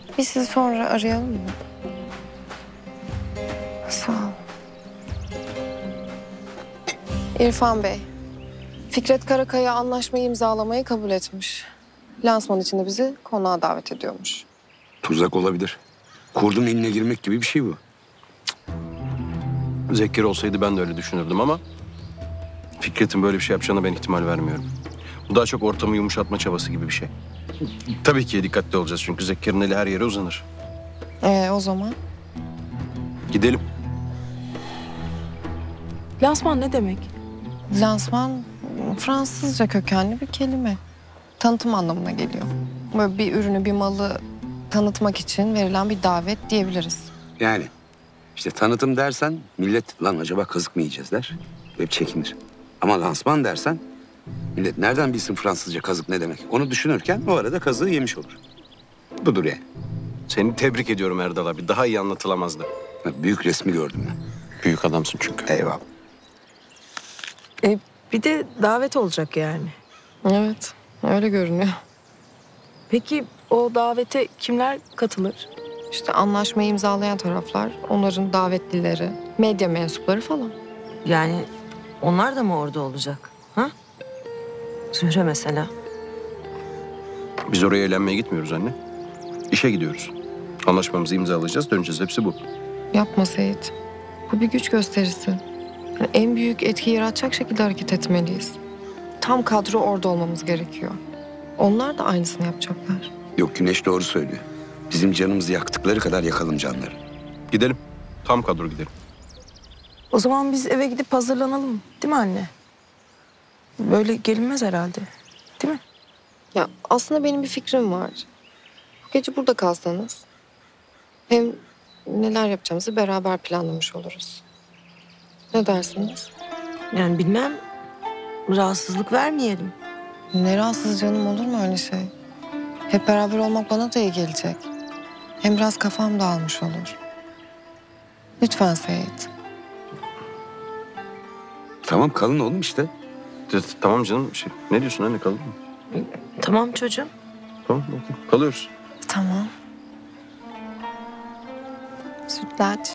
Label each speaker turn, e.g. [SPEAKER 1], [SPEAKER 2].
[SPEAKER 1] Biz sizi sonra arayalım mı? Sağ ol. İrfan Bey, Fikret Karakaya anlaşmayı imzalamayı kabul etmiş. Lansman için de bizi konağa davet ediyormuş.
[SPEAKER 2] Tuzak olabilir. Kurdun eline girmek gibi bir şey bu.
[SPEAKER 3] Zekir olsaydı ben de öyle düşünürdüm ama Fikret'in böyle bir şey yapacağına ben ihtimal vermiyorum. Bu daha çok ortamı yumuşatma çabası gibi bir şey. Tabii ki dikkatli olacağız çünkü Zekir'in eli her yere uzanır.
[SPEAKER 1] O zaman?
[SPEAKER 3] Gidelim.
[SPEAKER 4] Lansman ne demek?
[SPEAKER 1] Lansman Fransızca kökenli bir kelime. Tanıtım anlamına geliyor. Böyle bir ürünü, bir malı tanıtmak için verilen bir davet diyebiliriz.
[SPEAKER 2] Yani işte tanıtım dersen millet lan acaba kazık mı yiyeceğiz der. Hep çekinir. Ama lansman dersen millet nereden bilsin Fransızca kazık ne demek? Onu düşünürken o arada kazığı yemiş olur. Budur yani.
[SPEAKER 3] Seni tebrik ediyorum Erdal abi. Daha iyi anlatılamazdı.
[SPEAKER 2] Büyük resmi gördüm ben.
[SPEAKER 3] Büyük adamsın çünkü.
[SPEAKER 2] Eyvallah.
[SPEAKER 4] Bir de davet olacak yani.
[SPEAKER 1] Evet, öyle görünüyor.
[SPEAKER 4] Peki o davete kimler katılır?
[SPEAKER 1] İşte anlaşmayı imzalayan taraflar, onların davetlileri, medya mensupları falan.
[SPEAKER 5] Yani onlar da mı orada olacak? Ha? Zühre mesela.
[SPEAKER 3] Biz oraya eğlenmeye gitmiyoruz anne. İşe gidiyoruz. Anlaşmamızı imzalayacağız, döneceğiz. Hepsi bu.
[SPEAKER 1] Yapma Seyit. Bu bir güç gösterisi. Yani en büyük etki yaratacak şekilde hareket etmeliyiz. Tam kadro orada olmamız gerekiyor. Onlar da aynısını yapacaklar.
[SPEAKER 2] Yok Güneş doğru söylüyor. Bizim canımızı yaktıkları kadar yakalım canları.
[SPEAKER 3] Gidelim. Tam kadro gidelim.
[SPEAKER 4] O zaman biz eve gidip hazırlanalım. Değil mi anne? Böyle gelinmez herhalde. Değil mi?
[SPEAKER 1] Ya aslında benim bir fikrim var. Bu gece burada kalsanız. Hem neler yapacağımızı beraber planlamış oluruz. Ne dersiniz?
[SPEAKER 5] Yani bilmem. Rahatsızlık vermeyelim.
[SPEAKER 1] Ne rahatsız canım, olur mu öyle şey? Hep beraber olmak bana da iyi gelecek. Hem biraz kafam dağılmış olur. Lütfen Seyit.
[SPEAKER 2] Tamam kalın oğlum işte.
[SPEAKER 3] Tamam canım. Ne diyorsun anne, kalır mı?
[SPEAKER 5] Tamam çocuğum.
[SPEAKER 3] Tamam, okey. Kalıyoruz.
[SPEAKER 1] Tamam. Sütlaç.